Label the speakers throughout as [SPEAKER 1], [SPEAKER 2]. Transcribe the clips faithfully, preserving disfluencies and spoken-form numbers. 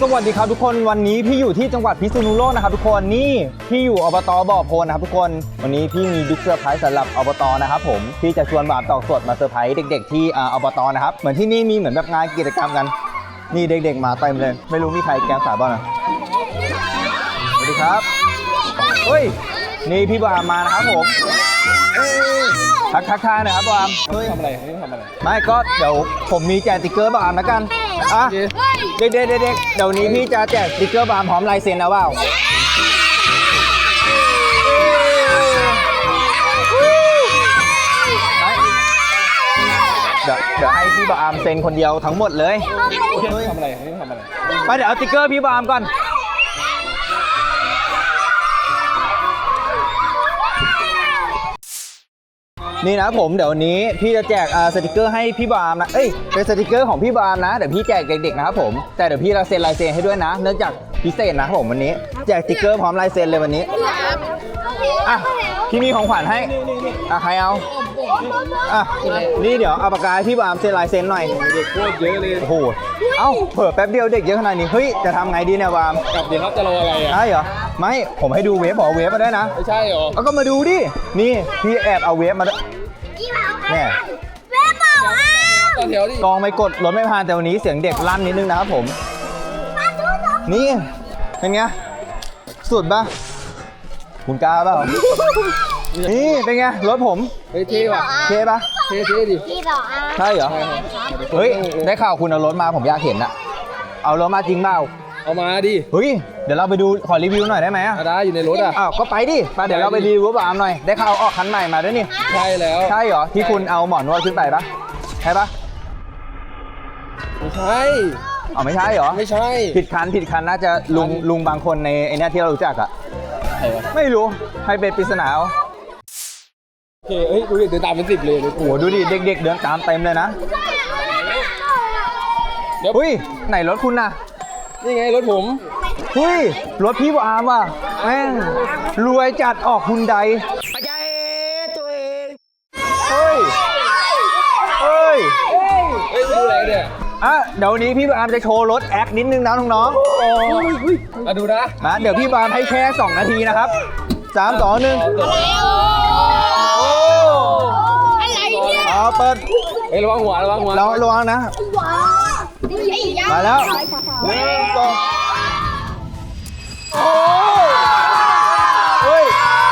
[SPEAKER 1] สวัสดีครับทุกคนวันนี้พี่อยู่ที่จังหวัดพิษณุโลกนะครับทุกคนนี่พี่อยู่อบต.บ่อโพนนะครับทุกคนวันนี้พี่มีบิ๊กเซอร์ไพรส์สำหรับอบต.นะครับผมพี่จะชวนบ่าวตอกสดมาเซอร์ไพรส์เด็กๆที่อบต.นะครับเหมือนที่นี่มีเหมือนแบบงานกิจกรรมกันนี่เด็กๆมาเต็มเลยไม่รู้มีใครแกงสายบ้างนะสวัสดีครับเฮ้ยนี่พี่บามมานะครับผมทักทักทายหน่อยครับบามเฮ้ย
[SPEAKER 2] ทำอะไรไม่ทำอะไร
[SPEAKER 1] ไม่ก็เดี๋ยวผมมีแจกสติ๊กเกอร์บามแล้วกันอ่ะเด็กๆเด็กๆเดี๋ยวนี้พี่จะแจกสติ๊กเกอร์บามพร้อมลายเซ็นเอาเปล่าเดี๋ยวเดี๋ยวให้พี่บามเซ็นคนเดียวทั้งหมดเลย
[SPEAKER 2] ทำอะไรไม่ทำอะไร
[SPEAKER 1] ไปเดี๋ยวเอาสติ๊กเกอร์พี่บามก่อนนี่นะผมเดี๋ยววันนี้พี่จะแจกสติกเกอร์ให้พี่บามนะเอ้ยเป็นสติกเกอร์ของพี่บามนะเดี๋ยวพี่แจกเด็กๆนะครับผมแต่เดี๋ยวพี่จะเซ็นลายเซ็นให้ด้วยนะเนื่องจากพิเศษนะครับผมวันนี้แจกสติกเกอร์พร้อมลายเซ็นเลยวันนี้อ่ะพี่มีของขวัญให้อ่ะใครเอาอ่ะนี่เดี๋ยวเอาปากกาให้พี่บามเซ็นลายเซ็นหน่อย
[SPEAKER 2] เด็กโคตรเยอะเลย
[SPEAKER 1] โอ้โหเอ้าเผื่อแป๊บเดียวเด็กเยอะขนาดนี้เฮ้ยจะทำไงดีเนี่ยบาม
[SPEAKER 2] กลับเดี๋ยวครับจะรออะไรอ่ะ
[SPEAKER 1] ใช่เหรอไม่ผมให้ดูเวฟบอกเวฟมาด้วยนะ
[SPEAKER 2] ไม่ใช่หรอ
[SPEAKER 1] เอาก็มาดูดินี่พี่แอบเอาเวฟมาด้วยแม่
[SPEAKER 2] ต่อแถวดิ
[SPEAKER 1] กองไม่กดรถไม่ผ่านแต่วันนี้เสียงเด็กลั่นนิดนึงนะครับผมนี่เป็นไงสุดปะคุณกล้าเปล่านี่เป็นไงรถผม
[SPEAKER 2] เฮ้ยเท่ว่ะ
[SPEAKER 1] เท่ปะ
[SPEAKER 2] เท่เท่ดิ
[SPEAKER 1] ใช่เหรอเฮ้ยได้ข่าวคุณเอารถมาผมอยากเห็นอะเอารถมาจริงเปล่า
[SPEAKER 2] เอามาดิ
[SPEAKER 1] เฮ้ยเดี๋ยวเราไปดูขอรีวิวหน่อยได้ไหมอะ
[SPEAKER 2] ได้อยู่ในรถอ่ะ
[SPEAKER 1] อ้าวก็ไปดิไปเดี๋ยวเราไปรีวิวบามหน่อยได้ข่าวออกคันใหม่มาด้วยนี่
[SPEAKER 2] ใช่แล้ว
[SPEAKER 1] ใช่เหรอที่คุณเอาหมอนวดขึ้นไปปะใช่ปะ
[SPEAKER 2] ไม่ใช่
[SPEAKER 1] อ๋อไม่ใช่เหรอ
[SPEAKER 2] ไม่ใช่
[SPEAKER 1] ผิดคันผิดคันน่าจะลุงลุงบางคนในไอเนี้ยที่เรารู้จักอะไม่รู้ให้เป็นปริศนาเอา
[SPEAKER 2] โอเคเฮ้ยดูดิเดินตามเป็นสิบเลยโอ้
[SPEAKER 1] โหดูดิเด็กๆเดินตามเต็มเลยนะ
[SPEAKER 2] เดี๋ยว
[SPEAKER 1] เฮ้ยไหนรถคุณน่ะ
[SPEAKER 2] นี่ไงรถผม
[SPEAKER 1] เฮ้ยรถพี่บามว่ะแม่งรวยจัดออกฮุนไดปัจจัยตัวเองเฮ้ยเฮ้ย
[SPEAKER 2] เฮ้ยดูอะไรเนี่ย
[SPEAKER 1] อ่ะเดี๋ยวนี้พี่บามจะโชว์รถแอคนิดนึงนะน้อง
[SPEAKER 2] ๆมาดูนะ
[SPEAKER 1] มาเดี๋ยวพี่บามให้แค่สองนาทีนะครับสามสองหนึ่งเอาเปิด
[SPEAKER 2] เฮ้ยระวังหัวระวังหัว
[SPEAKER 1] เราระวังนะมาแล้วหนึ่งสองโอ้เฮ้ย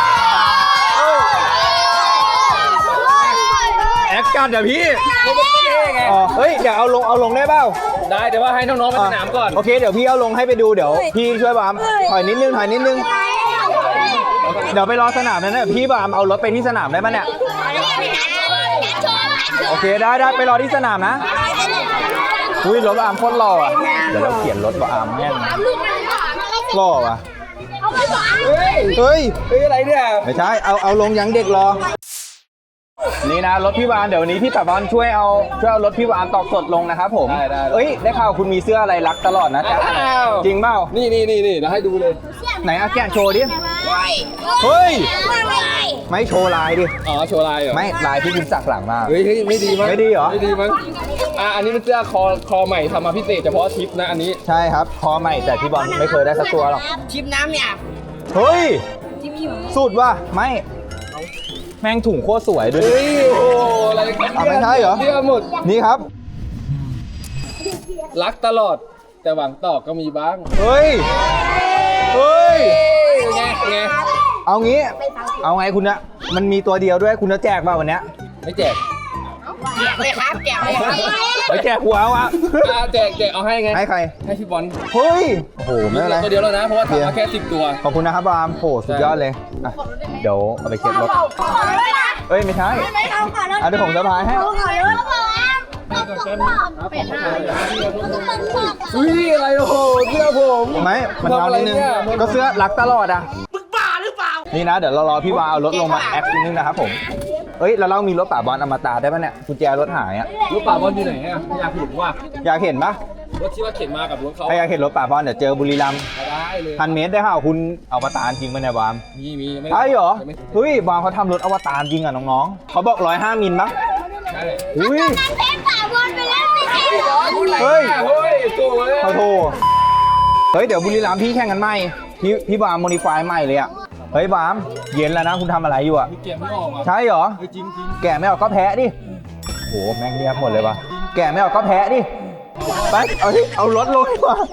[SPEAKER 1] แอคกันเดี๋ยวพี่อ๋อเฮ้ยเดี๋ยวเอาลงเอาลงได้เปล่า
[SPEAKER 2] ได้เดี๋ยวว่าให้น้องๆไปสนามก่อน
[SPEAKER 1] โอเคเดี๋ยวพี่เอาลงให้ไปดูเดี๋ยวพี่ช่วยบามถอยนิดนึงถอยนิดนึงเดี๋ยวไปรอสนามนั้นนะพี่บามเอารถไปที่สนามได้ไหมเนี่ยโอเคได้ได้ไปรอที่สนามนะอุ้ยรถบามโคตรหล่ออ่ะเดี๋ยวเราเขียนรถบามแม่งหล่อว่ะ
[SPEAKER 2] เฮ้ย
[SPEAKER 1] เฮ้ย
[SPEAKER 2] เฮ้ยอะไรเนี่ย
[SPEAKER 1] ไม่ใช่เอาเอาลงยังเด็กรอนี่นะรถพี่บามเดี๋ยวนี้พี่ตะวันช่วยเอาช่วยเอารถพี่บามตอกสดลงนะครับผมเอ้ยได้ข่าวคุณมีเสื้ออะไรรักตลอดนะจ๊ะจริงเปล่า
[SPEAKER 2] นี่นี่นี่นี่เดี๋ยวให้ดูเลย
[SPEAKER 1] ไหนอะแกะโชว์ดิเฮ้ยไม่โชว์ลายดิ
[SPEAKER 2] อ๋อโชว์ลายเหรอ
[SPEAKER 1] ไม่ลายที่คุณสักหลังมา
[SPEAKER 2] เฮ้ยไม่ดีมั้ง
[SPEAKER 1] ไม่ดีเหรอ
[SPEAKER 2] ไม่ดีมั้งอ่ะอันนี้เป็นเสื้อคอคอใหม่ทำมาพิเศษเฉพาะทริปนะอันนี้
[SPEAKER 1] ใช่ครับคอใหม่แต่พี่บอลไม่เคยได้สักตัวหรอก
[SPEAKER 3] ทริปน้ำเนี่ย
[SPEAKER 1] เฮ้ยสุดว่ะไม่แม่งถุงโคตรสวยด้วย
[SPEAKER 2] เฮ้ยโอ้อะไรกัน
[SPEAKER 1] ไม่ใช่เหรอ
[SPEAKER 2] เสื้อหมด
[SPEAKER 1] นี่ครับ
[SPEAKER 2] รักตลอดแต่หวังต่อก็มีบ้าง
[SPEAKER 1] เฮ้ยเฮ้ย
[SPEAKER 2] ไงไง
[SPEAKER 1] เอางี้เอาไงคุณเนี่ยมันมีตัวเดียวด้วยคุณจะแจกป่ะวันเนี้ย
[SPEAKER 2] ไม่แจก
[SPEAKER 3] แจกเลยครับแจกเลยครับ
[SPEAKER 1] ไปแจกหัวเอาอะ
[SPEAKER 2] แจกแจกเอาให้ไง
[SPEAKER 1] ให้ใคร
[SPEAKER 2] ให้พี่บอล
[SPEAKER 1] เฮ้ยโอ้โหไม่เป็นไร
[SPEAKER 2] ตัวเดียวแล้วนะเพราะว่าทำมาแค่สิบตัว
[SPEAKER 1] ขอบคุณนะครับบามโหสุดยอดเลยอ่ะเดี๋ยวเอาไปเช็ดรถเอ้ยไม่ใช่อ่ะเดี๋ยวผมจะพายให้
[SPEAKER 2] อุ้ยอะไรโอ้โหเสื้อผม
[SPEAKER 1] ไม่มันเอาอะไรนึงก็เสื้อรักตลอดอ่ะมึงบ้าหรือเปล่านี่นะเดี๋ยวเรารอพี่วาเอารถลงมาแอคนิดนึงนะครับผมเอ้ยแล้วเรามีรถป่าบอลอมตะได้ปะเนี่ยกุญแจรถหายอ่ะ
[SPEAKER 2] รถป่าบอลอยู่ไหนอ่ะอยากเห็นว่า
[SPEAKER 1] อยากเห็นปะ
[SPEAKER 2] รถที่ว่าเข็นมากับรถเขา
[SPEAKER 1] อยากเห็นรถป่าบอลเดี๋ยวเจอบุรีรัมย์
[SPEAKER 2] ได้เลย
[SPEAKER 1] พันเมตรได้ค่ะคุณอวตารจริงปะเนี่ยบาม
[SPEAKER 2] มีมี
[SPEAKER 1] ใช่เหรอเฮ้ยบามเขาทำรถอวตารจริงอ่ะน้องๆเขาบอกร้อยห้ามิลปะ
[SPEAKER 2] ใช่
[SPEAKER 1] อุ้ย
[SPEAKER 3] เทปป่าบอลไปแล้วสิ
[SPEAKER 1] เฮ้ย
[SPEAKER 2] เฮ้ยโถ่เลย
[SPEAKER 1] ขอโทษเฮ้ยเดี๋ยวบุรีรัมย์พี่แข่งกันใหม่พี่พี่บามโมดิฟายใหม่เลยอ่ะเฮ้ยบามเย็นแล้วนะคุณทำอะไรอยู่อ่ะ
[SPEAKER 2] เกมไม่ออกอ่ะ
[SPEAKER 1] ใช่เหรอ
[SPEAKER 2] จริงจริง
[SPEAKER 1] แกะไม่ออกก็แพ้ดิโหแม่งเงียบหมดเลยว่ะแกะไม่ออกก็แพ้ดิไปเอาที่เอารถลงดีกว่า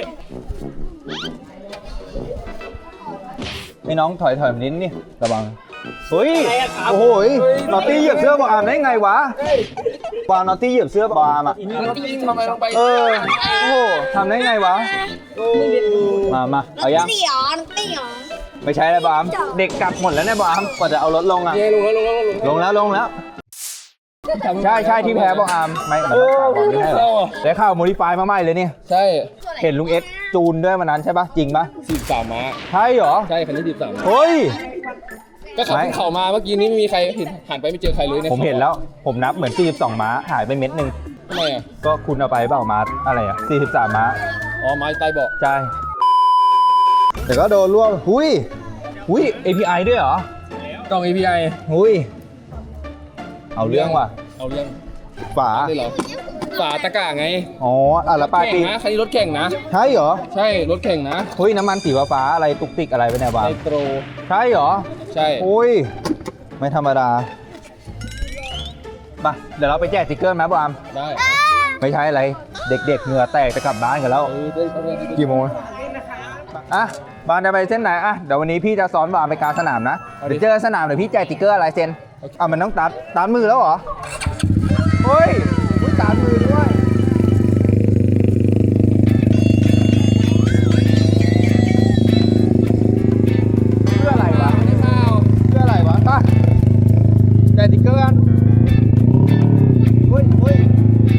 [SPEAKER 1] ไอ้น้องถอยถอยนิดนี่ระวังเฮ้ยโอ้โหนอตตี้เหยียบเสื้อบอามได้ไงวะบามนอตตี้เหยียบเสื้อบอามอ่ะ
[SPEAKER 2] แล้วตีทำไมลงไป
[SPEAKER 1] เออโอ้โหทำได้ไงวะมามาเอายัง
[SPEAKER 3] ตีหรอตีหรอ
[SPEAKER 1] ไม่ใช่แล้วบามเด็กกลับหมดแล้วเนี่ยบามกว่าจะเอารถลงอ่ะ
[SPEAKER 2] เย้ลงแล้วลงแล้ว
[SPEAKER 1] ลงแล้วลงแล้วใช่ใช่ที่แพ้บอามไม่มันรักษาบอลไม่ได้หรอได้ข่าวโมดิฟายมาใหม่เลยเนี่ย
[SPEAKER 2] ใช่
[SPEAKER 1] เห็นลุงเอสจูนด้วยวันนั้นใช่ปะจริงปะ
[SPEAKER 2] สิบสามม้า
[SPEAKER 1] ใช่เหรอ
[SPEAKER 2] ใช่คันนี้สิบสามม้า
[SPEAKER 1] เฮ้ย
[SPEAKER 2] ก็ขับขึ้นเขามาเมื่อกี้นี้ไม่มีใครเห็นหันไปไม่เจอใครเลยใน
[SPEAKER 1] ผมเห็นแล้วผมนับเหมือนสี่สิบสองม้าหายไปเม็ดหนึ่ง
[SPEAKER 2] ทำไมอ่ะ
[SPEAKER 1] ก็คุณเอาไปเปล่าม้าอะไรอ่ะสี่สิบสามม้า
[SPEAKER 2] อ๋อไม้ใต้เบาะ
[SPEAKER 1] ใช่แต่ก็โดนร่วงหุยหุย เอ พี ไอ ด้วยเหรอ
[SPEAKER 2] ต้อง เอ พี ไอ
[SPEAKER 1] หุยเอาเรื่องว่ะ
[SPEAKER 2] เอาเรื่อง
[SPEAKER 1] ฝา
[SPEAKER 2] ได้เหรอฝาตะกร้าไง
[SPEAKER 1] อ๋ออ่ะแล้วปลาย
[SPEAKER 2] แข่
[SPEAKER 1] ปี
[SPEAKER 2] งนะคันนี้รถแข่งนะ
[SPEAKER 1] ใช่เหรอ
[SPEAKER 2] ใช่รถแข่งนะ
[SPEAKER 1] เฮ้ยน้ำมันสีฟ้าๆอะไรตุกติกอะไรไปเนี่ยบ้าง
[SPEAKER 2] ไนโตร
[SPEAKER 1] ใช่เหรอ
[SPEAKER 2] ใช่
[SPEAKER 1] โอ้ยไม่ธรรมดาไปเดี๋ยวเราไปแจกสติ๊กเกอร์ไหมบอาม
[SPEAKER 2] ได้
[SPEAKER 1] ไม่ใช่อะไร เด็กๆเหงื่อแตกจะกลับบ้านกันแล้ว
[SPEAKER 2] เออได้ได้ได้
[SPEAKER 1] กี่โมงอ่ะบานจะไปเส้นไหนอ่ะเดี๋ยววันนี้พี่จะสอนบานไปกลางสนามนะ เดี๋ยวเจอสนามเดี๋ยวพี่แจกสติ๊กเกอร์อะไรเซนอ่ะมันต้องตัดตัดมือแล้วเหรอเฮ้ยอุ๊ยตัดมือด้วยเพื่ออะไรวะเพื่ออะไรวะไปแจกสติ๊กเกอร์กันเฮ้ยเฮ้ย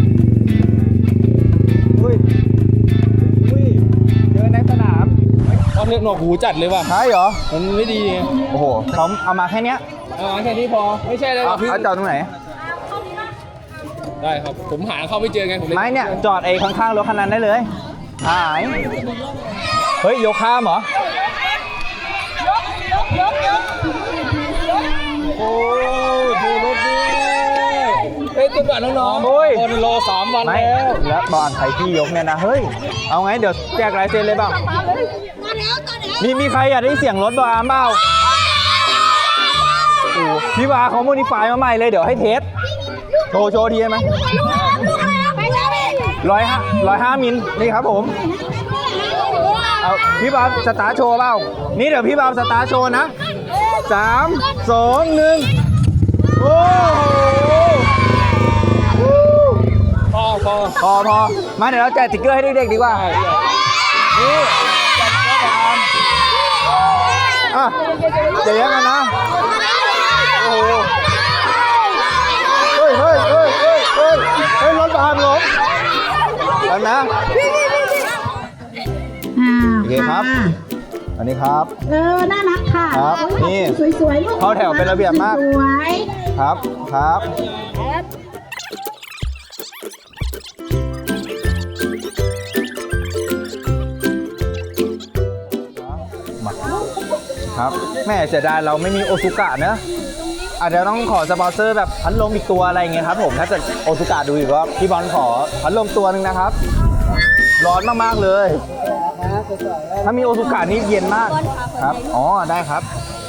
[SPEAKER 1] เฮ้ยเฮ้ยเจอในสนาม
[SPEAKER 2] ตอนเนี้ยหนวกหูจัดเลยว่ะ
[SPEAKER 1] ใช่เหรอ
[SPEAKER 2] มันไม่ดีไง
[SPEAKER 1] โอ้โหเขาเอามาแค่เนี้ย
[SPEAKER 2] อ่าแค่นี้พอไม่ใช่เลย
[SPEAKER 1] เอา
[SPEAKER 2] พี่
[SPEAKER 1] เอาจอดตรงไหน
[SPEAKER 2] ได้ครับผมหาเข้าไม่เจอไงผมเลย
[SPEAKER 1] ไม่เนี่ย จอดไอ้ข้างๆรถคันนั้นได้เลยหาย เฮ้ย ยกข้ามเหรอ
[SPEAKER 2] โอ้ยดูรถดิเฮ้ยตุ๊กตาน้องๆ
[SPEAKER 1] โอ้ย
[SPEAKER 2] คนรอสามวัน
[SPEAKER 1] ไม่
[SPEAKER 2] แล้ว
[SPEAKER 1] แล้วบอลไทยพี่ยกเนี่ยนะ เฮ้ย เอาไง เดี๋ยวแจกลายเซ็นเลยเปล่า
[SPEAKER 3] ตอนแล้วตอนแล้ว
[SPEAKER 1] มีมีใครอยากได้เสียงรถบอลเปล่าโอ้พี่วาเขาโมดิฟายมาใหม่เลย เดี๋ยวให้เทส โชว์โชว์ทีได้ไหม
[SPEAKER 3] ลูกอะไรไปแล้ว
[SPEAKER 1] ร้อยห้าร้อยห้ามิล นี่ครับผม เอาพี่บาสตาร์ทโชว์เปล่า นี่เดี๋ยวพี่บาสตาร์ทโชว์นะสามสองหนึ่งโอ้โห
[SPEAKER 2] พอพอ
[SPEAKER 1] พอพอมาเดี๋ยวเราแจกสติ๊กเกอร์ให้เด็กๆดีกว่า นี่อ่ะเดี๋ยวยังกันนะ โอ้โหเฮ้ยเฮ้ยเฮ้ยเฮ้ยเฮ้ยเฮ้ยรถบามล้มแล้วนะ
[SPEAKER 4] อ่า
[SPEAKER 1] โอเคครับ อันนี้ครับ
[SPEAKER 4] เออ น่ารักค่ะ
[SPEAKER 1] ครับ
[SPEAKER 4] โอ้ย
[SPEAKER 1] นี่
[SPEAKER 4] สวยๆลูก
[SPEAKER 1] เข้าแถวเป็นระเบียบมาก
[SPEAKER 4] สวย
[SPEAKER 1] ครับ ครับ มาครับ แม่เสียดายเราไม่มีโอซุกะเนอะอาจจะต้องขอสปอนเซอร์แบบพัดลมอีกตัวอะไรเงี้ยครับผม ถ้าเกิดโอซุกะดูอีกว่าพี่บอลขอพัดลมตัวหนึ่งนะครับ ร้อนมากๆเลย ถ้ามีโอซุกะนี่เย็นมาก ครับ อ๋อ ได้ครับ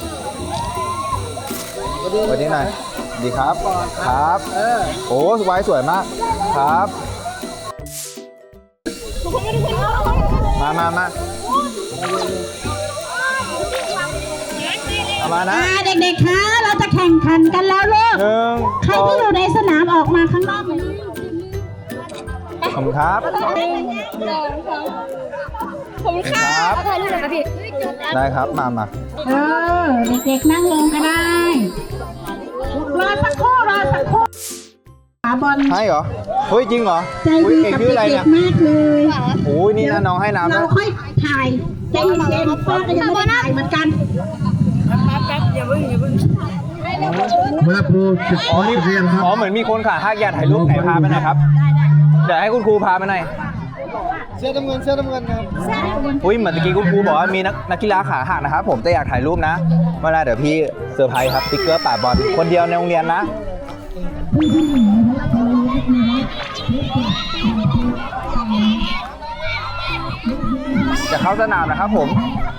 [SPEAKER 1] สวัสดีหน่อยดีครับ ครับ โอ้สวยสวยมาก ครับ มามามาเอามานะ
[SPEAKER 4] อ่าเด็กๆ คะ เราจะแข่งขันกันแล้วลูก
[SPEAKER 1] หนึ่ง
[SPEAKER 4] ใคร
[SPEAKER 1] สอง
[SPEAKER 4] ที่อยู่ในสนามออกมาข้างนอกเลย
[SPEAKER 1] ขอบคุณครับ
[SPEAKER 3] ผมค่ะ
[SPEAKER 1] ครับ
[SPEAKER 3] ถ่ายรูปหน่อยครับพี่
[SPEAKER 1] ได้ครับ มามา
[SPEAKER 4] เออ เด็กๆ นั่งลงก็ได้ รอสักครู่ รอสักครู่ขาบอล
[SPEAKER 1] ให้เหรอ เฮ้ย จริงเหรอ
[SPEAKER 4] ใจ
[SPEAKER 1] อุ้ย
[SPEAKER 4] ดี
[SPEAKER 1] เก่ง
[SPEAKER 4] กับ
[SPEAKER 1] ชื่ออะไร
[SPEAKER 4] เด็
[SPEAKER 1] เนี่ย
[SPEAKER 4] กๆ มากเลย
[SPEAKER 1] โอ้ยนี่นะน้องให้น้ำ
[SPEAKER 4] เรา
[SPEAKER 1] ด้วย
[SPEAKER 4] ค่อยถ่ายใจเย็นๆป้าก็ยังไม่ได้ถ่ายเหมือนกัน
[SPEAKER 5] มาครูสิบ
[SPEAKER 1] อ๋อนี่
[SPEAKER 5] เรียนครับ
[SPEAKER 1] อ๋อ เหมือนมีคนขาหักอยากถ่ายรูปไหนพาไปหน่อยครับ เดี๋ยวให้คุณครูพาไปหน่อย
[SPEAKER 5] เสื้อน้ำเงินเสื้อน้ำเงินครับ
[SPEAKER 1] อุ้ยเหมือนตะกี้คุณครูบอกว่ามีนักนักกีฬาขาหักนะครับผมแต่อยากถ่ายรูปนะเมื่อไรเดี๋ยวพี่เซอร์ไพรส์ครับสติ๊กเกอร์ป่าบอลคนเดียวในโรงเรียนนะจะจะเข้าสนามนะครับผม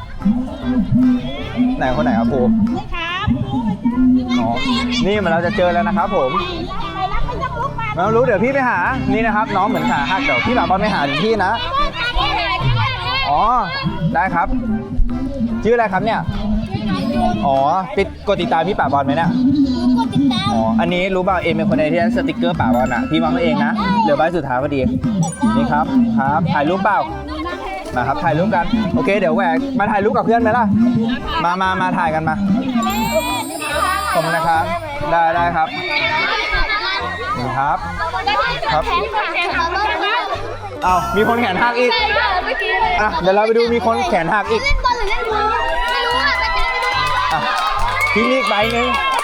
[SPEAKER 1] ไหนคนไหนครับครูอ๋อนี่มันเราจะเจอแล้วนะครับผมไม่รู้เดี๋ยวพี่ไปหานี่นะครับน้องเหมือนขาหักเดี๋ยวพี่หลับบอลไปหาถึงที่นะอ๋อได้ครับชื่ออะไรครับเนี่ยอ๋อติดกดติดตามพี่ป่าบอลไหมเนี่ยอ๋ออันนี้รู้เปล่าเอ็มเป็นคนในที่สติกเกอร์ป่าบอลอ่ะพี่วางไว้เองนะเหลือใบสุดท้ายพอดีนี่ครับครับถ่ายรูปเปล่ามาครับถ่ายรูปกันโอเคเดี๋ยวแหวกมาถ่ายรูปกับเพื่อนไหมล่ะมามามาถ่ายกันมาขอบคุณนะครับได้ได้ครับนี่ครับครับเอามีคนแขนหักอีกอ่ะเดี๋ยวเราไปดูมีคนแขนหักอีก
[SPEAKER 3] เล่นบอลหรือเล่นบอลไม่รู้อ่ะแต่จะไม่รู้
[SPEAKER 1] อ่ะพี่มีอีกใบหนึ่ง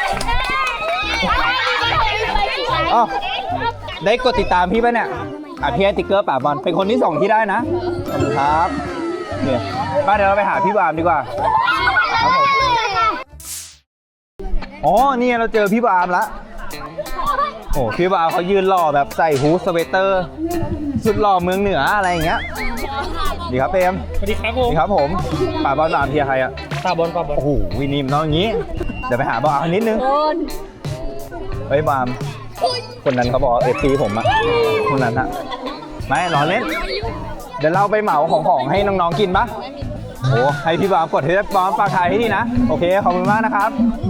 [SPEAKER 1] อ๋อได้กดติดตามพี่ป่ะเนี่ยอ่ะพี่ให้ติ๊กเกอร์ป่าบอลเป็นคนที่สองที่ได้นะขอบคุณครับเนี่ยป้าเดี๋ยวเราไปหาพี่บามดีกว่าครับผมอ๋อนี่เราเจอพี่บามละโอ้พี่บามเขายืนหล่อแบบใส่ฮูดสเวตเตอร์สุดหล่อเมืองเหนืออะไรอย่างเงี้ยดีครับเปม
[SPEAKER 2] สวัสดีครับผม
[SPEAKER 1] ดีครับผมป่าบอลบามเพียร์ใครอะ
[SPEAKER 2] ตาบอลป่าบอล
[SPEAKER 1] โอ้โหวินิมน้องอย่างงี้เดี๋ยวไปหาบามนิดนึงเฮ้ยบามคนนั้นเขาบอกเอฟซีผมอะคนนั้นอะไม่รอเล่นเดี๋ยวเราไปเหมาของของให้น้องๆกินปะโอ้ให้พี่บามกดให้บามฝากถ่ายให้ดีนะโอเคขอบคุณมากนะครับ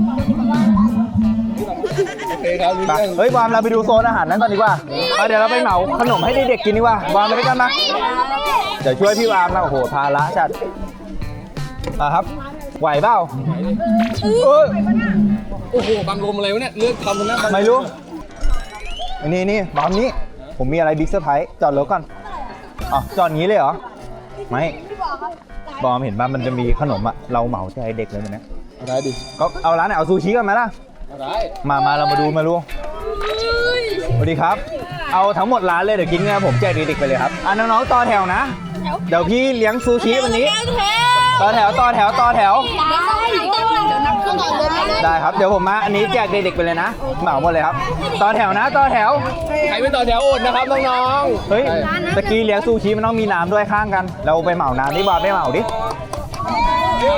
[SPEAKER 2] โอเคครับรู้
[SPEAKER 1] ไป
[SPEAKER 2] เรื่อง
[SPEAKER 1] เฮ้ยบามเราไปดูโซนอาหารนั้นก่อนดีกว่าไปเดี๋ยวเราไปเหมาขนมให้เด็กๆกินดีกว่าบามไปด้วยกันนะเดี๋ยวช่วยพี่บามนะโอ้โหภาระจัดอ่ะครับไหวเปล่าเออ
[SPEAKER 2] โอ้โหบังลมอะไรวะเนี่ยเลือกทำตรงนั้น
[SPEAKER 1] ไม่รู้อันนี้นี่บามนี้ผมมีอะไรบิ๊กเซอร์ไพรส์จอดรถก่อนอ๋อจอดงี้เลยเหรอไม่บอมเห็นป่ะมันจะมีขนมอะเราเหมาใจเด็กเลยมันนะ
[SPEAKER 2] ได้ดิ
[SPEAKER 1] ก็เอาร้านไหนเอาซูชิกันไหมล่ะ
[SPEAKER 2] ได้
[SPEAKER 1] มามาเรามาดูมาดูสวัสดีครับ เอาทั้งหมดร้านเลยเดี๋ยวกินเนี่ยผมแจกเด็กๆไปเลยครับอ่ะน้องๆต่อแถวนะ เดี๋ยวพี่เลี้ยงซูชิวันนี้ต่อแถวต่อแถวต่อแถว ได้ครับเดี๋ยวผมมาอันนี้แจกเด็กๆไปเลยนะเหมาหมดเลยครับต่อแถวนะต่อแถว
[SPEAKER 2] ใครไม่ต่อแถวอดนะครับน้องๆ
[SPEAKER 1] เฮ้ยตะกี้เลี้ยงซูชิมันต้องมีน้ำด้วยข้างกัน เราไปเหมาน้ำดิบอลไม่เหมาดิ
[SPEAKER 2] เย้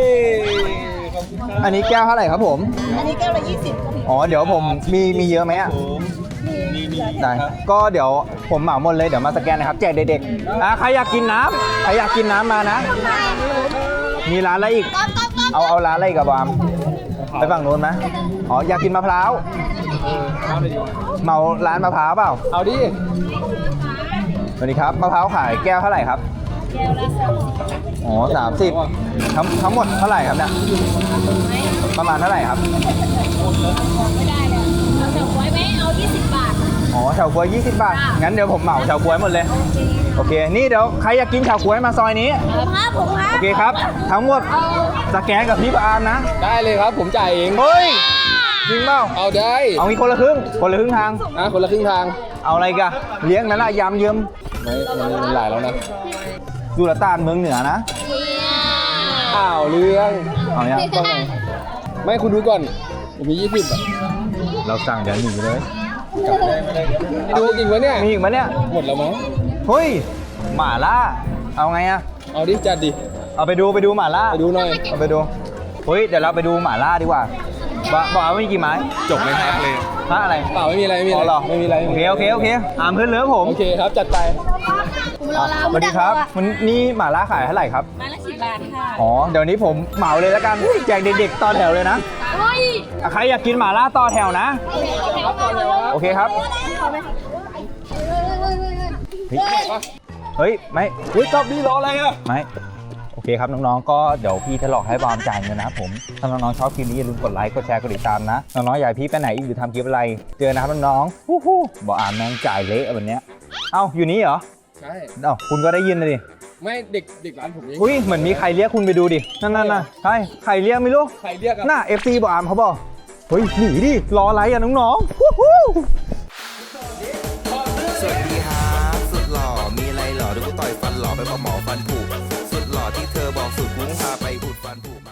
[SPEAKER 1] อันนี้แก้วเท่าไหร่ครับผมอันนี้แก้วละยี่สิบอ๋อเดี๋ยวผมมีมีเยอะไหมอ่ะได้ก็เดี๋ยวผมเหมาหมดเลยเดี๋ยวมาสแกนนะครับแจกเด็กๆอ่ะใครอยากกินน้ำใครอยากกินน้ำมานะ มีร้านอะไรอีกเอาเอาร้านอะไรอีกับบอมไปฝั่งนู้นไหมอ๋ออยากกินมะพร้าวเหมาร้านมะพร้าวเปล่า
[SPEAKER 2] เอาดิ
[SPEAKER 1] สวัสดีครับมะพร้าวขายแก้วเท่าไหร่ครับแก้วละสามสิบอ๋อสามสิบทั้งทั้งหมดเท่าไหร่ครับเนี่ยประมาณเท่าไหร่ครับไม่ได้เลยเอาเฉาก๊วยไหมเอายี่สิบบาทอ๋อเฉาก๊วยยี่สิบบาทงั้นเดี๋ยวผมเหมาเฉาก๊วยหมดเลยโอเคนี่เดี๋ยวใครอยากกินเฉาก๊วยมาซอยนี้
[SPEAKER 3] ผมครับผมครับ
[SPEAKER 1] โอเคครับทั้งหมดสแกนกับพี่ปาล์มนะ
[SPEAKER 2] ได้เลยครับผมจ่ายเอง
[SPEAKER 1] เฮ้ยจริงเปล่า
[SPEAKER 2] เอาได้
[SPEAKER 1] เอามีคนละครึ่งคนละครึ่งทาง
[SPEAKER 2] อ่ะคนละครึ่งทาง
[SPEAKER 1] เอาอะไรกันเลี้ยงนั่นละยำเยิ้ม
[SPEAKER 2] ไม่มันหลายแล้วนะ
[SPEAKER 1] สุรต่านเมืองเหนือนะ
[SPEAKER 2] อ้าวเรื่อง
[SPEAKER 1] เอาอย่าง
[SPEAKER 2] ต้องไงไม่คุณดูก่อนผมมียี่สิบอ่ะ
[SPEAKER 1] เราสั่งเดี๋ยวหนีเลย
[SPEAKER 2] ดูจริงวะเนี่ย
[SPEAKER 1] มีอีกไหมเนี่ย
[SPEAKER 2] หมดแล้วมั้ง
[SPEAKER 1] เฮ้ยหม่าล่าเอาไงอะ
[SPEAKER 2] เอาดิจัดดิ
[SPEAKER 1] เอาไปดูไปดูหม่าล่า
[SPEAKER 2] ไปดูหน่อย
[SPEAKER 1] เอาไปดูเฮ้ยเดี๋ยวเราไปดูหม่าล่าดีกว่าบอกบอกว่ามีกี่ไม้
[SPEAKER 2] จบเลยครับเลย
[SPEAKER 1] ฮะอะไร
[SPEAKER 2] เปล่าไม่มีอะไรไม่มี
[SPEAKER 1] อ๋
[SPEAKER 2] อะ
[SPEAKER 1] อ
[SPEAKER 2] ไร
[SPEAKER 1] เหรอ
[SPEAKER 2] ไม่มีอะไร
[SPEAKER 1] โอเคโอเคโอเคอามเพื่อนเลิฟผม
[SPEAKER 2] โอเคครับจัดไป
[SPEAKER 1] อ่ะสวัสดีครับวันนี้หม่าล่าขายเท่าไหร่ครับไม้ละสิบบาทค่ะอ๋อเดี๋ยวนี้ผมเหมาเลยแล้วกันแจกเด็กๆต่อแถวเลยนะอ่ะใครอยากกินหม่าล่าต่อแถวนะโอเคครับเฮ้ยเฮ้ยไม่
[SPEAKER 2] เฮ้ยจบดีรออะไรอ่ะ
[SPEAKER 1] ไม่โอเคครับน้องๆก็เดี๋ยวพี่จะหลอกให้บอมจ่ายเงินนะครับผมถ้าน้องๆชอบคลิปนี้อย่าลืมกดไลค์กดแชร์กดติดตามนะน้องๆอยากให้พี่ไปไหนอีกหรือทำคลิปอะไรเจอนะครับน้องๆฮู้ฮู้บอกอ่านแม่งจ่ายเละแบบเนี้ยเอ้าอยู่นี่เหรอ
[SPEAKER 2] ใช่
[SPEAKER 1] เอ้าคุณก็ได้ยินเลยดิ
[SPEAKER 2] ไม่เด็กเด็กร้านผมเอง
[SPEAKER 1] อุ้ยเหมือนมีใครเรียกคุณไปดูดินั่นนั่นน่ะใช่ใครเรียกไม่รู้
[SPEAKER 2] ใครเรียกอ่ะ
[SPEAKER 1] หน้า เอฟ ซี บอกอามเขาบอกเฮ้ยหนีดิรออะไรอ่ะน้องๆฮู้ฮู้
[SPEAKER 6] สวัสดีครับสุดหล่อมีอะไรหล่อดูกูต่อยฟันหล่อไปพอหมอฟันผุสุดหล่อที่เธอบอกสุดกุ้งพาไปอุดฟันผุ